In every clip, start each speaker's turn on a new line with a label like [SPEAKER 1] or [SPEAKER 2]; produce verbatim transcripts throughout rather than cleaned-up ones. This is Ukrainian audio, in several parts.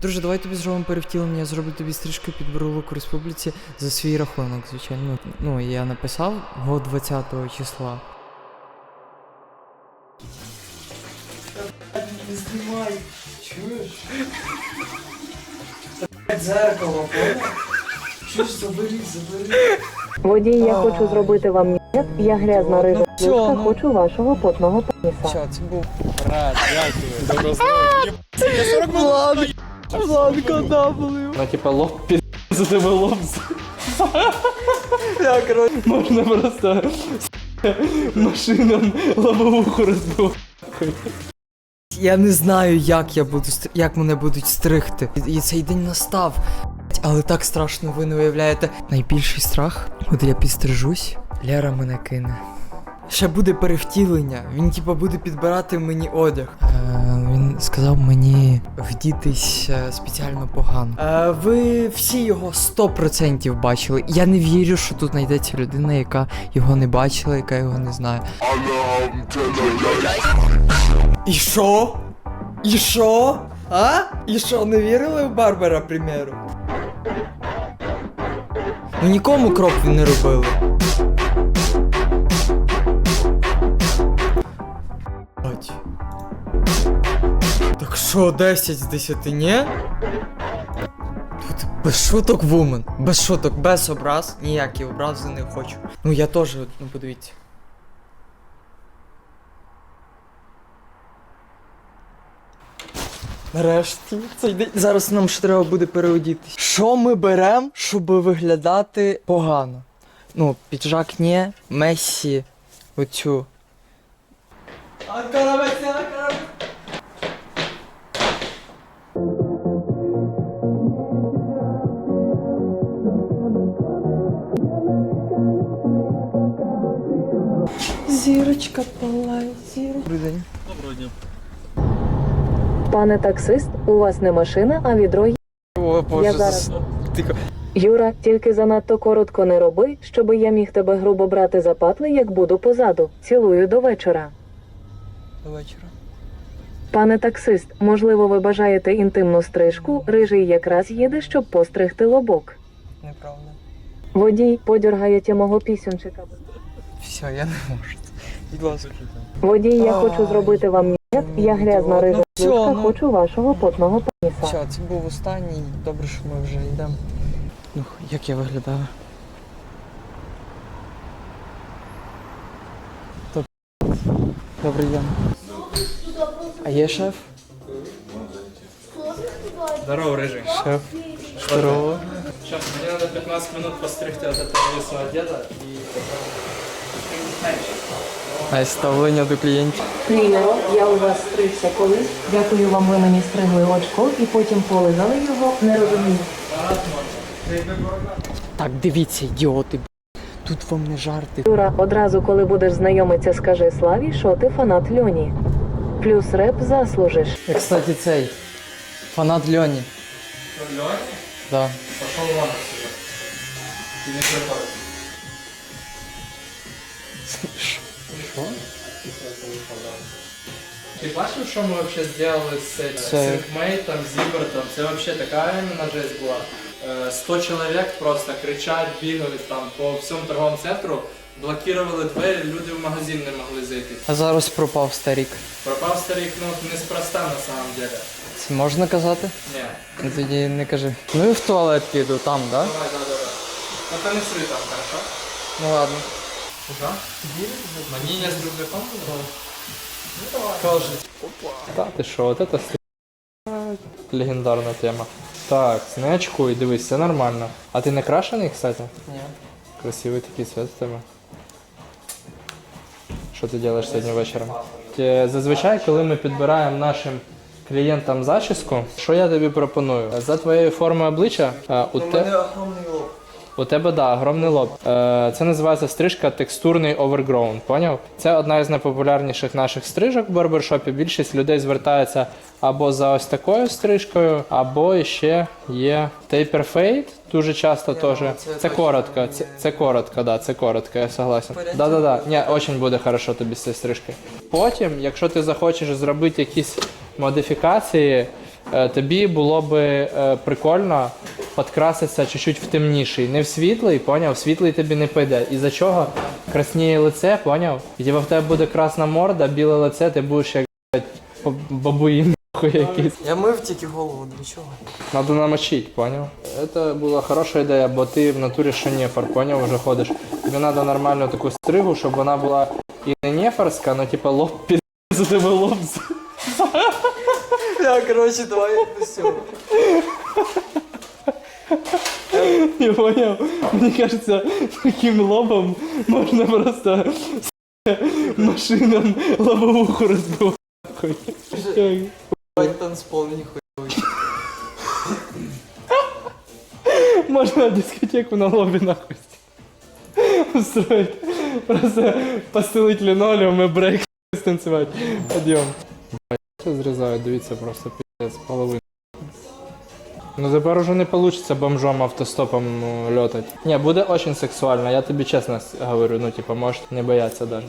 [SPEAKER 1] Друже, давай тобі зробимо перевтілення, я зроблю тобі стрижку під брулок у республіці за свій рахунок, звичайно. Ну, я написав го двадцятого числа. Не знімай, чуєш? Це дзеркало, понял? Чуєш, забери, забери.
[SPEAKER 2] Водій, я хочу зробити вам ні. Я грязна рижа шлюшка, хочу вашого потного пеніса.
[SPEAKER 1] Все, це був...
[SPEAKER 3] Брат, дякую. Добро здоров'я. Я сорок минут.
[SPEAKER 1] Владко, W.
[SPEAKER 3] Ну, типа, лоб пи***, за тебе лоб.
[SPEAKER 1] Я, короче...
[SPEAKER 3] Можна просто машинам лобовуху розбивати.
[SPEAKER 1] Я не знаю, як я буду стр... як мене будуть стригти. І цей день настав. Але так страшно, ви не уявляєте. Найбільший страх, от я підстрижусь, Лера мене кине. Ще буде перевтілення. Він типа буде підбирати мені одяг. Е, він сказав мені вдітись е, спеціально погано. Е, ви всі його сто процентів бачили. Я не вірю, що тут знайдеться людина, яка його не бачила, яка його не знає. І що? І що? А? І що, не вірили в Барбера, примеру? Ну нікому кроп не робили. Бать. Так що, десять з десяти, ні? Тут без шуток, вумен. Без шуток, без образ. Ніякі образи не хочу. Ну я теж, ну подивіться. Нарешті, цей день. Зараз нам ще треба буде переодітись. Що ми беремо, щоб виглядати погано? Ну, піджак ні, Мессі, оцю. Анкара Мессі, Анкара! Зірочка палає, зірочка. Добрий день.
[SPEAKER 3] Доброго дня.
[SPEAKER 2] Пане таксист, у вас не машина, а відро є.
[SPEAKER 1] О, Боже,
[SPEAKER 2] Я зараз-
[SPEAKER 1] зас- тихо.
[SPEAKER 2] Юра, тільки занадто коротко не роби, щоби я міг тебе грубо брати за патли, як буду позаду. Цілую до вечора.
[SPEAKER 1] До вечора.
[SPEAKER 2] Пане таксист, можливо, ви бажаєте інтимну стрижку, рижий якраз їде, щоб постригти лобок.
[SPEAKER 1] Неправда.
[SPEAKER 2] Водій, подергаєте мого пісюнчика.
[SPEAKER 1] Все, я не можу. Будь ласка.
[SPEAKER 2] Водій, я
[SPEAKER 1] Ай.
[SPEAKER 2] хочу зробити вам ні. Я грязна
[SPEAKER 1] Ну,
[SPEAKER 2] рижа
[SPEAKER 1] всьо,
[SPEAKER 2] шлюшка,
[SPEAKER 1] ну.
[SPEAKER 2] хочу вашого потного пеніса.
[SPEAKER 1] Все, це був останній. Добре, що ми вже йдемо. Ну, як я виглядаю? То- Добрий день. А є шеф?
[SPEAKER 3] Здорово, рыжий.
[SPEAKER 1] Шеф. Здорово.
[SPEAKER 3] Сейчас, мне надо пятнадцать минут постригти от этого лысого деда и
[SPEAKER 1] А ставлення до клієнтів?
[SPEAKER 2] Клінеро, я у вас стригся колись. Дякую вам, ви мені стригли очко і потім полизали його, не розумію.
[SPEAKER 1] Так, дивіться, ідіоти. б***. Тут вам не жарти.
[SPEAKER 2] Юра, одразу, коли будеш знайомитися, скажи Славі, що ти фанат Льоні. Плюс реп заслужиш.
[SPEAKER 1] Я, кстати, цей. Фанат Льоні.
[SPEAKER 3] Лёня?
[SPEAKER 1] Да.
[SPEAKER 3] Пошел вон отсюда. И не приходит.
[SPEAKER 1] Що?
[SPEAKER 3] Ты бачив, що ми вообще сделали з
[SPEAKER 1] Це-
[SPEAKER 3] Синкмейтом, Зібертом? Це вообще така іменно жесть була. Е, сто чоловік просто кричать, бігали там по всьому торговому центру, блокували двері, люди в магазин не могли зайти.
[SPEAKER 1] А зараз пропав старік.
[SPEAKER 3] Пропав старик, ну неспроста на самом деле.
[SPEAKER 1] Це можна казати?
[SPEAKER 3] Ні.
[SPEAKER 1] Ну, тоді не кажи. Ну і в туалет піду, там, да?
[SPEAKER 3] Давай, давай, давай. Ну ти не сри там, хорошо?
[SPEAKER 1] Ну ладно.
[SPEAKER 3] Куда? Маніння з рюкзаком? Ну давай.
[SPEAKER 1] Кажуть.
[SPEAKER 3] Та ти що, от це стрі- легендарна тема. Так, не очкуй, дивись, все нормально. А ти не крашений, кстати?
[SPEAKER 1] Ні.
[SPEAKER 3] Красивий такий цвет у тебе. Що ти робиш сьогодні вечором? Е, Зазвичай, коли ми підбираємо нашим клієнтам зачіску, що я тобі пропоную? За твоєю формою обличчя е, у,
[SPEAKER 1] У
[SPEAKER 3] те...
[SPEAKER 1] мене огромний лоб.
[SPEAKER 3] у тебе да, огромний лоб. Е, Це називається стрижка текстурний overgrown, поняв? Це одна із найпопулярніших наших стрижок в барбершопі. Більшість людей звертається або за ось такою стрижкою, або ще є taper fade, дуже часто теж.
[SPEAKER 1] це
[SPEAKER 3] Це
[SPEAKER 1] точно
[SPEAKER 3] коротко,
[SPEAKER 1] не
[SPEAKER 3] це, це коротко, да, це коротко, я согласен.
[SPEAKER 1] Порядок?
[SPEAKER 3] Да, да, да. Ні, очень буде хорошо тобі з цією стрижкою. Потім, якщо ти захочеш зробити якісь модифікації, Е, тобі було би е, прикольно підкраситися чуть-чуть в темніший. Не в світлий, поняв? В світлий тобі не піде. Із-за чого красніє лице, поняв? І типу, в тебе буде красна морда, біле лице, ти будеш як блядь, бабуїн нахуй якийсь.
[SPEAKER 1] Я мив тільки голову, для чого?
[SPEAKER 3] Надо намочить, понял? Это була хороша ідея, бо ти в натурі ще нефар, поняв, вже ходиш. Тобі треба нормальну таку стригу, щоб вона була і не нефарська, но типа лоб під за тебе лоб.
[SPEAKER 1] Я, короче, давай все.
[SPEAKER 3] Я понял? Мені кажется, таким лобом можна просто машинам лобовуху розбивати.
[SPEAKER 1] Давай танцпол, ніхуя.
[SPEAKER 3] Можна дискотеку на лобі нахуй устроить. Просто постелить линолеум и брейк станцевать. Подъем. Все зрізають, дивіться, просто пиздец, половину. Ну тепер уже не получится бомжом автостопом ну, летать. Не, буде очень сексуально, я тобі чесно с- говорю, ну типа, можеш не бояться даже.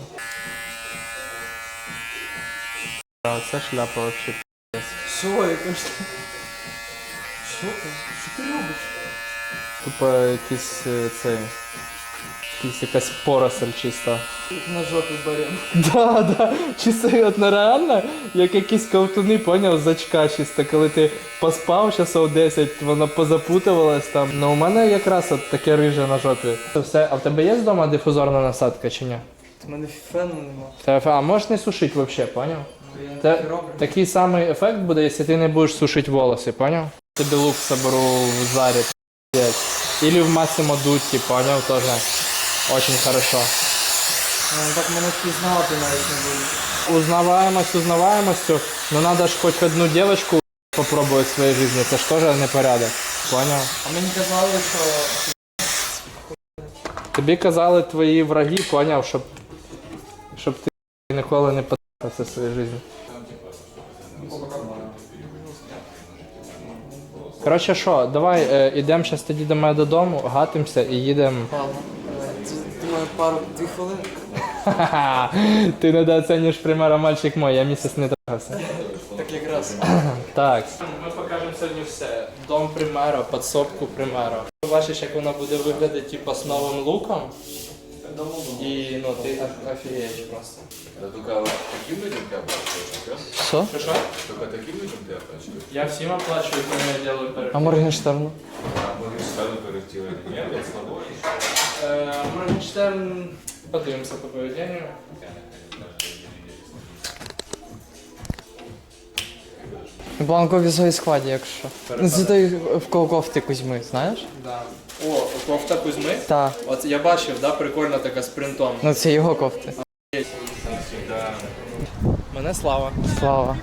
[SPEAKER 3] А, це шляпа вообще пиздец.
[SPEAKER 1] Що, я кажу? Що ти? Що ти робиш?
[SPEAKER 3] Тупо якийсь е, цей... Якийсь якась поросль чиста.
[SPEAKER 1] На жопі берем.
[SPEAKER 3] Да, да, чисто от нереально, як якісь ковтуни, поняв, з очка чисто, коли ти поспав часов десять, воно позапутувалось там. Ну у мене якраз от таке риже на жопі. Все, а в тебе є вдома дифузорна насадка чи ні?
[SPEAKER 1] У мене фену нема.
[SPEAKER 3] Та, а можеш не сушити взагалі, поняв?
[SPEAKER 1] Ну, я
[SPEAKER 3] Та,
[SPEAKER 1] так і роблю.
[SPEAKER 3] такий самий ефект буде, якщо ти не будеш сушити волоси, поняв? Тобі лук соберу в зарі, п'ять. Или в Massimo Dutti, поняв, тоже очень хорошо.
[SPEAKER 1] Ну, так мене впізнати навіть не буде.
[SPEAKER 3] Узнаваемость узнаваемостью, но надо ж хоть одну девочку попробовать в своей жизни, это ж тоже непорядок, понял?
[SPEAKER 1] А мені казали, що...
[SPEAKER 3] Тобі казали твої враги, поняв, щоб, щоб ти ніколи не потратився в своїй житті. Коротше що, давай е, ідемо зараз тоді до мене додому, гатимося і їдемо.
[SPEAKER 1] Ладно, це, думаю, пару, дві хвилини.
[SPEAKER 3] Ха-ха, ти недооцінюєш примера мальчик мой, я місяць не трахався.
[SPEAKER 1] Так якраз.
[SPEAKER 3] Так. Ми покажемо сьогодні все. Дом примера, підсобку примера. Бачиш, як вона буде виглядати типу, з новим луком. І ну, ти оф- офігієш просто.
[SPEAKER 4] Да только таким людям ты оплачиваешь, да?
[SPEAKER 1] Що?
[SPEAKER 3] Що що?
[SPEAKER 4] Только таким людям ты оплачиваешь.
[SPEAKER 3] Я всім оплачую, коли я роблю
[SPEAKER 1] А
[SPEAKER 3] перегляд.
[SPEAKER 1] Моргенштерну?
[SPEAKER 4] А мы сразу корректируем. Нет, это слабо.
[SPEAKER 3] Е, Моргенштерн, подивимося по поведенню.
[SPEAKER 1] Бланкові зої складі, якщо. Ну, це той в кого кофти Кузьми, знаєш?
[SPEAKER 3] Да. О, кофта Кузьми.
[SPEAKER 1] Так.
[SPEAKER 3] От я бачив, да, прикольна така з принтом.
[SPEAKER 1] Ну це його кофти.
[SPEAKER 3] Мене Слава.
[SPEAKER 1] Слава.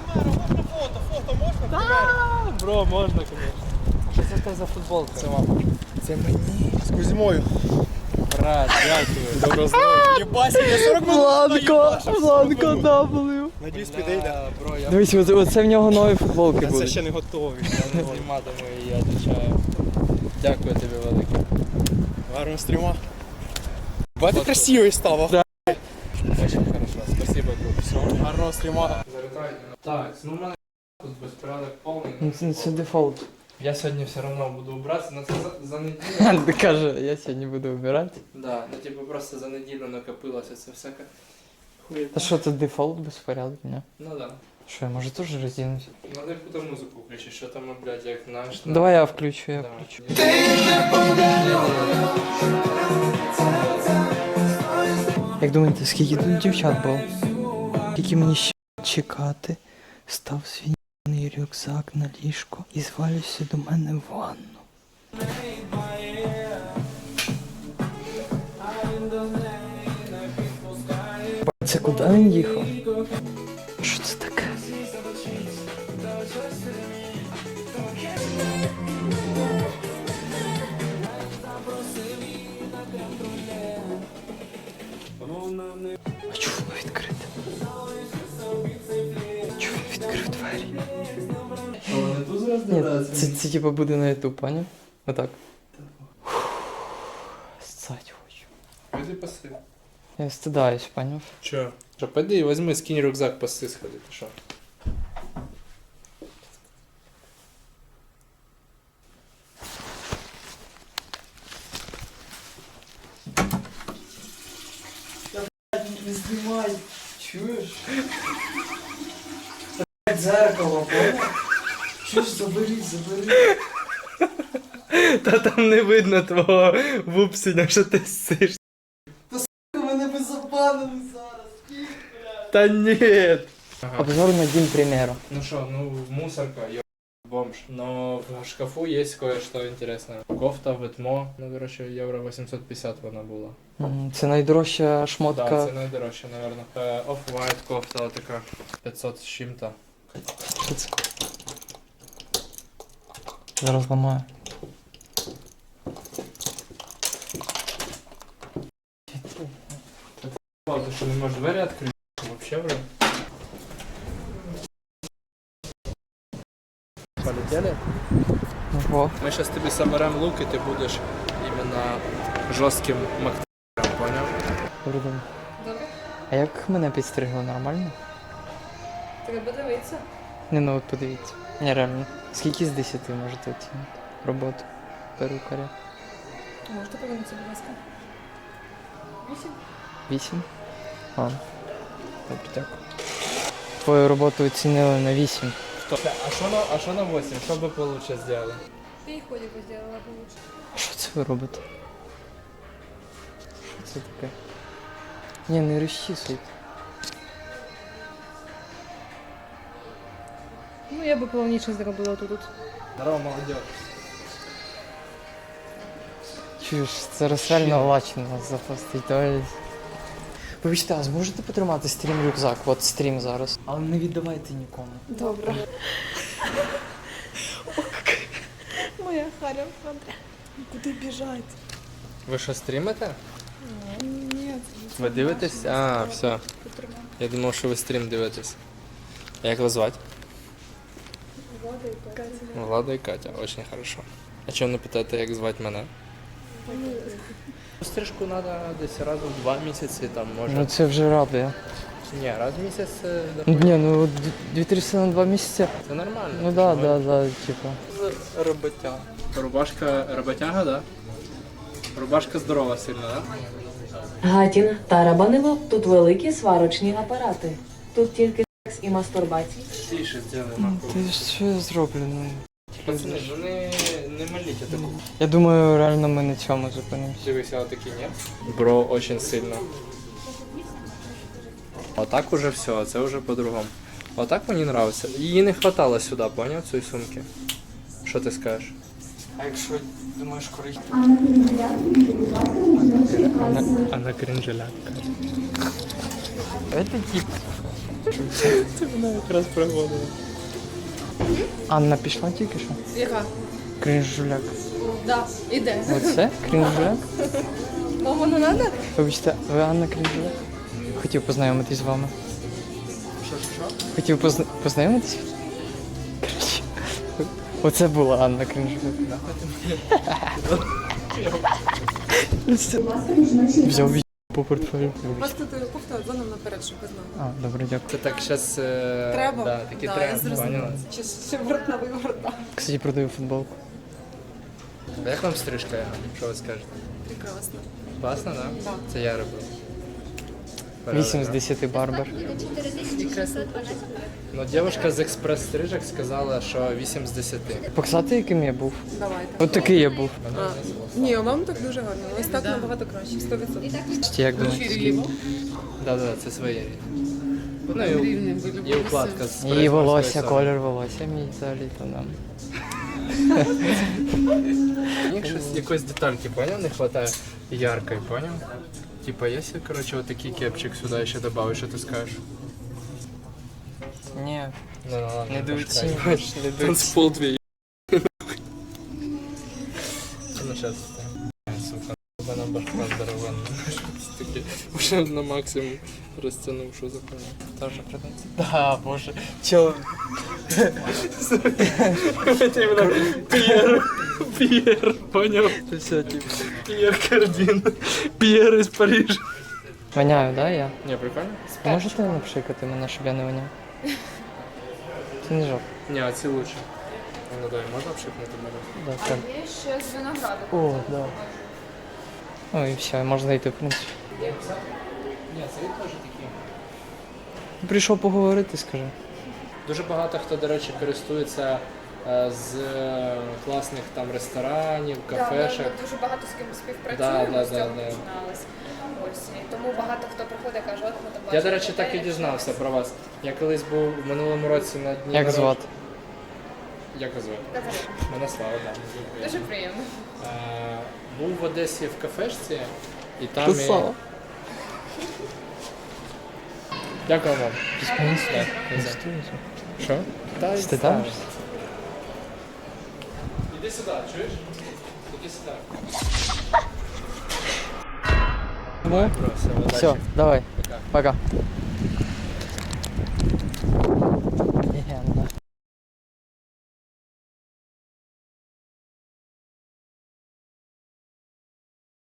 [SPEAKER 3] Бро, можна, звісно. Що це в тебе за футболка? Це мама.
[SPEAKER 1] Це мені.
[SPEAKER 5] З Кузьмою.
[SPEAKER 3] Брат, дякую.
[SPEAKER 5] Добро здоров'я. Єбась, я сорок минут.
[SPEAKER 1] Бланко! Бланко W.
[SPEAKER 5] Надіюсь, підійде.
[SPEAKER 3] Бро, я
[SPEAKER 1] Дивись, оце, оце в нього нові футболки
[SPEAKER 5] Це
[SPEAKER 1] будуть.
[SPEAKER 5] ще не готовий.
[SPEAKER 3] не зніматиму і я відповідаю. Дякую тобі велике.
[SPEAKER 5] Гарного стріма. Бати красивий став.
[SPEAKER 3] Очень хорошо, спасибо, друг. Все.
[SPEAKER 5] Гарного стріма.
[SPEAKER 3] Так, ну в мене тут безпорядок повний.
[SPEAKER 1] Ну, Це, це дефолт.
[SPEAKER 3] Я сьогодні все одно буду убиратися, але це за, за неділю.
[SPEAKER 1] Ти каже, я сьогодні буду вбирати.
[SPEAKER 3] Да, ну типу просто за неділю накопилося це всяке. Хуєта.
[SPEAKER 1] Та що це дефолт безпорядок, ні?
[SPEAKER 3] Ну да.
[SPEAKER 1] Що, я може теж роздінусь?
[SPEAKER 3] Надо яку музику включити, що там, блядь, як наш. на-
[SPEAKER 1] Давай я включу, я
[SPEAKER 3] Да.
[SPEAKER 1] включу. Як думаєте, скільки тут дівчат було? Скільки мені ще чекати? Став свій ***ний рюкзак на ліжко і звалюся до мене в ванну. Це куди він їхав? Що це таке? А чого воно відкрите? Чого він відкрив двері?
[SPEAKER 3] Вони тут зараз
[SPEAKER 1] Ні, це, це типу буде на ютуб, поняв? Отак. Ссать хочу.
[SPEAKER 3] Пойди паси.
[SPEAKER 1] Я стидаюсь, поняв?
[SPEAKER 3] Чо? Що, пойди, візьми, скинь рюкзак, паси сходи, ти що?
[SPEAKER 1] дзеркало, поняв? Чуєш, заберіть, заберіть.
[SPEAKER 3] Та там не видно твого вупсеня, що ти сиш.
[SPEAKER 1] Мене би забанили зараз.
[SPEAKER 3] Та ні.
[SPEAKER 1] Обзор на Дім Прем'єру.
[SPEAKER 3] Ну що, ну мусорка, ё... бомж. Но в шкафу есть кое-что интересное. Кофта, ветмо, ну, короче, євро вісімсот п'ятдесят вона була.
[SPEAKER 1] М, Це найдорожча шмотка.
[SPEAKER 3] Так, це найдорожче, наверное. Е, Off-white кофта така, п'ятсот з чим-то.
[SPEAKER 1] Що це? Зараз ламаю.
[SPEAKER 3] Ти що, не можеш двері відкрити? Вообще, бля. Полетели?
[SPEAKER 1] Ого.
[SPEAKER 3] Ми зараз тобі соберемо лук і ти будеш іменно жорстким мактарем, поняв?
[SPEAKER 1] Добрий день.
[SPEAKER 6] Добре.
[SPEAKER 1] А як мене підстригли, нормально?
[SPEAKER 6] Треба дивитися.
[SPEAKER 1] Не, ну от подивіться. Ні, реально. Скільки з десяти можете оцінити роботу перукаря?
[SPEAKER 6] Можете повернутися, будь ласка. Вісім.
[SPEAKER 1] Вісім? Ладно. Добре, дякую. Твою роботу оцінили на вісім.
[SPEAKER 3] Хто? А що на, а що на вісім? Що би получше зробили?
[SPEAKER 6] Ти і ходик би зробила получше.
[SPEAKER 1] Що це ви робите? Що це таке? Ні, не розчісуйте.
[SPEAKER 6] Ну, я би повніше зробила тут.
[SPEAKER 3] Здорово, молодь.
[SPEAKER 1] Чуєш, це розсельно лачно нас запустить, то. Вибачте, а зможете потримати стрім рюкзак? От стрім зараз. Але не віддавайте нікому.
[SPEAKER 6] Добре. Моя Харя в кадрі. Куди біжать?
[SPEAKER 3] Ви що, стрімите?
[SPEAKER 6] Ні,
[SPEAKER 3] Ви дивитесь? А, все. Я думав, що ви стрім дивитесь. Як вас звати?
[SPEAKER 6] Влада і Катя.
[SPEAKER 3] Влада і Катя, очень хорошо. А чого не питаєте, як звати мене? Стрижку треба десь раз у два місяці, там може.
[SPEAKER 1] Ну це вже радує.
[SPEAKER 3] Ні, раз в місяць е,
[SPEAKER 1] Ні,
[SPEAKER 3] доходить.
[SPEAKER 1] ну дві триста на два місяці.
[SPEAKER 3] Це нормально.
[SPEAKER 1] Ну да,
[SPEAKER 3] Чого?
[SPEAKER 1] да, да, типа.
[SPEAKER 3] Роботяга. Рубашка роботяга, да? Рубашка здорова сильно, да?
[SPEAKER 2] Гатін та Рабанило – тут великі сварочні апарати. Тут тільки секс і мастурбація.
[SPEAKER 3] Тише зробили, нахуй.
[SPEAKER 1] Ти що я зроблю? Ну.
[SPEAKER 3] Пацани, ну не, не маліть таку.
[SPEAKER 1] Я думаю, реально ми на цьому зупинимося.
[SPEAKER 3] Дивися, отакі, ні? Бро, очень сильно. Отак уже все, це вже по-другому. Отак мені нравиться. Її не хватало сюди, поняв, цієї сумки? Що ти скажеш?
[SPEAKER 1] А якщо думаєш, коли...
[SPEAKER 3] А на крінжеляк.
[SPEAKER 1] Це тип.
[SPEAKER 3] Це вона якраз проводила.
[SPEAKER 1] Анна пішла тільки що?
[SPEAKER 6] Яка?
[SPEAKER 1] Крінжуляк.
[SPEAKER 6] Да, іде.
[SPEAKER 1] Оце? Крінжуляк?
[SPEAKER 6] Вам воно надо?
[SPEAKER 1] Вибачте, ви Анна Крінжуляк? Хотів познайомитись з вами.
[SPEAKER 3] Що, що, що?
[SPEAKER 1] Хотів позна... познайомитись? Короче, оце була Анна Крінжуляк. Взяв від по портфелю.
[SPEAKER 7] Просто ти кофта зоном наперед, щоб ви знали.
[SPEAKER 1] А, добре, дякую.
[SPEAKER 3] Це так зараз... Е...
[SPEAKER 7] Треба?
[SPEAKER 3] Да, такий
[SPEAKER 7] Да, я
[SPEAKER 3] тренд,
[SPEAKER 7] зрозуміла.
[SPEAKER 3] поняла?
[SPEAKER 7] Чи ще вратна виворотна.
[SPEAKER 1] Кстати, продаю футболку.
[SPEAKER 3] А як вам стрижка? Що ви скажете?
[SPEAKER 7] Прекрасно.
[SPEAKER 3] Класно, да?
[SPEAKER 7] Да.
[SPEAKER 3] Це я робив.
[SPEAKER 1] вісім з десяти барбер.
[SPEAKER 3] Ну, дівчинка з експрес-стрижок сказала, що вісім з десяти.
[SPEAKER 1] Показати, яким я був?
[SPEAKER 7] Давайте.
[SPEAKER 1] От такий я був.
[SPEAKER 7] А, ні, вам так дуже гарно. Ось так набагато краще. сто відсотків.
[SPEAKER 1] Кстати, як думаєте?
[SPEAKER 3] Да, да, це своє рівні. Ну і, і укладка з
[SPEAKER 1] Її волосся,
[SPEAKER 3] спрес-морської
[SPEAKER 1] колір волосся мій взагалі то нам.
[SPEAKER 3] соли. Мені щось якоїсь детальки, поняв, не вистачає яркої, поняв? Типа, якщо, короче, вот такий кепчик сюди ще добавиш, що ти скажеш?
[SPEAKER 1] Ні,
[SPEAKER 3] Ну, ну, ладно,
[SPEAKER 1] недооцінюєш,
[SPEAKER 3] пошкай.
[SPEAKER 1] недооцінюєш.
[SPEAKER 3] Танцпол твій. Ну, сейчас. Сука, вона башка здоровенна. Щось таке. Уже на максимум розтягнув, що за хуйня.
[SPEAKER 1] Тоже продається. Да, боже. Чо?
[SPEAKER 3] Це іменно П'єр. П'єр, поняв?
[SPEAKER 1] Це все, типу.
[SPEAKER 3] П'єр Кардін. П'єр із Парижа.
[SPEAKER 1] Воняю, да, я?
[SPEAKER 3] Не, прикольно?
[SPEAKER 1] Можете напшикати мене, щоб я не воняв? Це не жарт.
[SPEAKER 3] Не, а ці лучше. Ну дай, можна обшипнути мене?
[SPEAKER 1] Да, так.
[SPEAKER 6] Є ще з винограду.
[SPEAKER 1] О, да. Ну і все, можна йти, в принципі.
[SPEAKER 3] Ні, це теж такі.
[SPEAKER 1] Прийшов поговорити, скажи.
[SPEAKER 3] Дуже багато хто, до речі, користується е, з е, класних там ресторанів, кафешок.
[SPEAKER 6] Ми дуже багато з ким
[SPEAKER 3] Да,
[SPEAKER 6] співпрацюємо,
[SPEAKER 3] да,
[SPEAKER 6] з
[SPEAKER 3] да,
[SPEAKER 6] цього
[SPEAKER 3] да.
[SPEAKER 6] починалось. Ось, і тому багато хто приходить і каже, от ми там
[SPEAKER 3] Я,
[SPEAKER 6] бачили
[SPEAKER 3] до речі, так і
[SPEAKER 6] готель,
[SPEAKER 3] дізнався
[SPEAKER 6] щось.
[SPEAKER 3] про вас. Я колись був в минулому році на дні.
[SPEAKER 1] Як
[SPEAKER 3] народ-
[SPEAKER 1] звати?
[SPEAKER 3] Як вас звати?
[SPEAKER 6] Катерина.
[SPEAKER 3] Мене Слава, так.
[SPEAKER 6] Дуже приємно.
[SPEAKER 3] Е, був в Одесі в кафешці, і там.
[SPEAKER 1] Ти
[SPEAKER 3] і-
[SPEAKER 1] Слава.
[SPEAKER 3] Дякую вам. Да, Що? Та й
[SPEAKER 1] Стидаєшся?
[SPEAKER 3] ставиш. Іди сюди, чуєш? Іди сюди.
[SPEAKER 1] Ну,
[SPEAKER 3] Все,
[SPEAKER 1] все, давай. Пока.